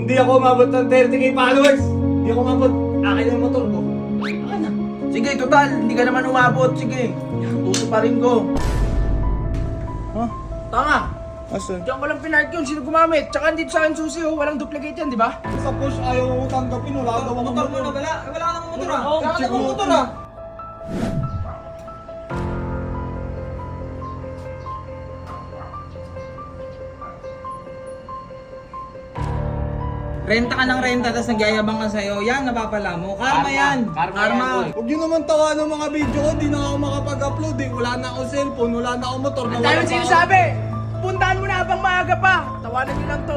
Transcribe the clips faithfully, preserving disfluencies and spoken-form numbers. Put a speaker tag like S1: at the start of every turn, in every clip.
S1: Hindi ako umabot ng thirty k followers. Hindi ako umabot. Akin yung motor ko. Akin na.
S2: Sige, total, hindi ka naman umabot. Sige, tuto pa rin ko.
S1: Huh?
S2: Tanga!
S1: Asan?
S2: Diyan ko lang pinark yun. Sino gumamit? Tsaka dito sa akin susi, oh. Walang duplicate yan, di ba?
S1: Sa push ayaw ko tanggapin. Wala daw akong
S3: Motor mo na, wala. Wala ka namang motor ah.
S1: Oo,
S3: Wala ka
S1: check
S3: namang
S1: mo.
S3: motor ah.
S4: Renta ka ng renta, tapos nagyayabang ka sa'yo. Yan, napapala mo. Karma, yan.
S2: Karma
S4: Karma.
S2: yan, boy.
S1: Huwag nyo naman tawa ng mga video ko. Di na ako makapag-upload eh. Wala na akong cellphone. Wala na akong motor.
S2: Ang
S1: nawala
S2: dami
S1: pa ako.
S2: sinasabi! Puntahan mo na habang maaga pa! Tawanan nyo lang to.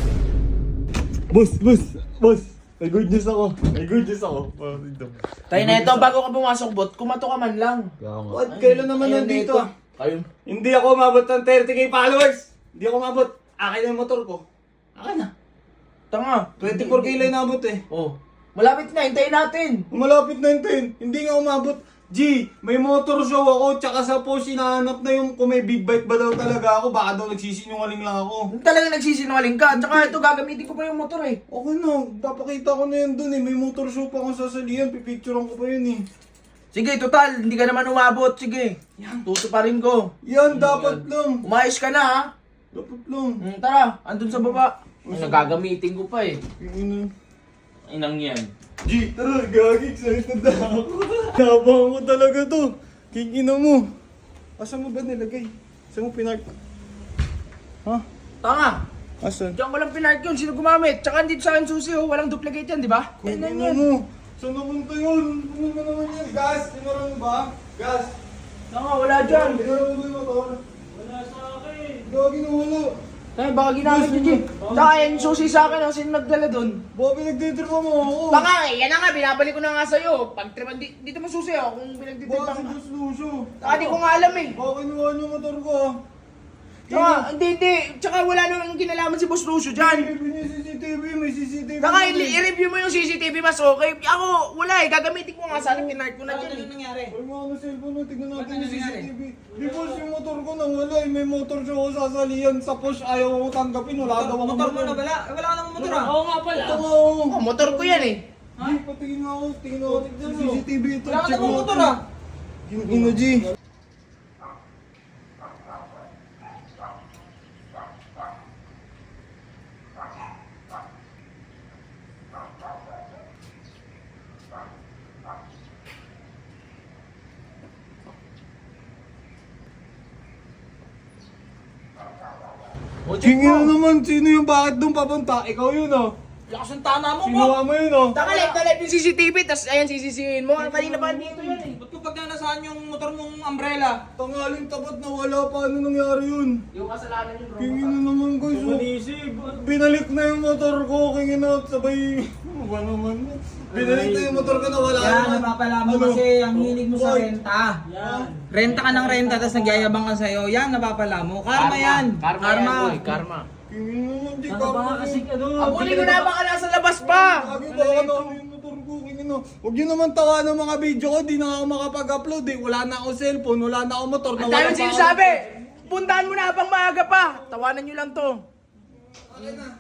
S1: Boss, boss, boss. May good news ako. May good news ako.
S2: Tayo na ito, bago ka pumasok, bot, kumato ka man lang.
S1: What? Kailan naman
S2: Ayun,
S1: nandito
S2: ito.
S1: ah?
S2: Ayun.
S1: Hindi ako umabot ng thirty k followers. Hindi ako umabot. Akin na yung motor ko. Akin na.
S2: Tanga.
S1: twenty-four k lang inabot eh.
S2: Oh. Malapit na, hintayin natin.
S1: Malapit na yung ten. Hindi nga umabot. G, may motor show ako, tsaka sa post hinahanap na yung kung may big bike ba daw talaga ako, baka daw nagsisinungaling lang ako.
S2: Talagang nagsisinungaling ka. Tsaka ito, gagamitin ko pa yung motor eh.
S1: Okay na, papakita ko na yan dun eh. May motor show pa akong sasalihan, pipicturean ko pa yun eh.
S2: Sige, total, hindi ka naman umabot. Sige, tuto pa rin ko.
S1: Yan, dapat lang.
S2: Umayos ka na ha.
S1: Dapat lang.
S2: Hmm, tara, andun sa baba. Ay, nagagamitin ko pa eh.
S1: Yung ina.
S2: Inang yan.
S1: G, tara, gagi, excited na ako. Nabang mo talaga to. King ina mo. Asan mo ba nilagay? Saan mo pinark? Ha?
S2: Tanga.
S1: Asan?
S2: Diyan ko lang pinark yun. Sino gumamit? Tsaka dito sa akin susi, oh. Walang duplicate yan, di ba?
S1: King
S2: Yan
S1: ina
S2: yan.
S1: mo. Saan napunta yun? Ano ba naman yan? Gas, tinuro mo ba? Gas.
S2: Tanga, wala dyan.
S1: Tinuro mo ba yung motor?
S3: Wala sa akin.
S1: Gagi na wala.
S2: Tay, baka ginamit yun, Jim. Tsaka yan, susi sa akin, oh. Sino nagdala dun?
S1: Baka pinagtitripa mo ako.
S2: Tanga, eh. Yan na nga, binabalik ko na nga sa'yo. Pag tripan, di, dito mo susi, oh. Kung
S1: Baka
S2: pinagtitripan
S1: si
S2: ka.
S1: Diyos Lucio.
S2: Tsaka di ko nga alam eh.
S1: Baka kinuha niyo yung motor ko ah.
S2: Tsaka, hindi, hindi. Tsaka wala namang kinalaman si Boss Lucio dyan.
S1: May C C T V, may C C T V.
S2: Tsaka, i- i-review mo yung C C T V mas okay. Ako, wala eh. Gagamitin ko nga sana, kinart ko na
S3: Ano
S2: dyan eh.
S3: ano nangyari?
S1: Huwag mo ano cellphone mo, tignan natin
S3: Ano
S1: yung C C
S3: nangyari?
S1: T V. Di ba yung motor ko nawala eh, may motor siya ako sasalihan sa push, ayaw ko tanggapin, wala daw akong
S3: Motor mo na, wala. Wala ka namang motor ah.
S4: Oo nga pala.
S1: Ito nga ako.
S2: Oh, motor ko yan eh.
S1: Di, patingin nga ako, tingin ako sa C C T V ito.
S3: Wala ka
S1: check
S3: namang
S1: mo.
S3: motor ah.
S1: Yung ino G. Tingin na naman, sino yung bakit doon papunta? Ikaw yun oh.
S3: Lakas ng tama mo,
S1: Sinuha mo yun oh.
S2: Taka live na live yung C C T V, tas ayan sisisihin mo. Kanina pa dito yan eh.
S3: Ba't ko pag nasaan yung motor mong umbrella?
S1: Tangaling tapat na wala, paano nangyari yun?
S2: Yung kasalanan yun, bro.
S1: Kingin na naman guys oh. Binalik na yung motor ko, kingin na sabay... Ano ba naman? Binalik na yung motor ko na wala
S4: Yan,
S1: naman.
S4: napapala mo
S1: Ano?
S4: kasi ang hilig mo sa
S1: Boy.
S4: renta. Renta ka ng renta, tapos nagyayabang ka sa'yo. Yan, napapala mo. Karma, yan.
S2: Karma, yan, boy. Karma.
S1: Kingin na naman, di ka
S4: Ano ba kasi ano?
S2: Abulin mo na, baka nasa labas pa.
S1: Lagi ba ka na yung motor ko, kingin na. Huwag yun naman tawa ng mga video ko, di na ako makapag-upload eh. Wala na akong cellphone, wala na akong motor.
S2: Ang
S1: nawala
S2: dami
S1: pa ako.
S2: sinasabi. Puntahan mo na habang maaga pa. Tawanan nyo lang to.
S1: Okay na.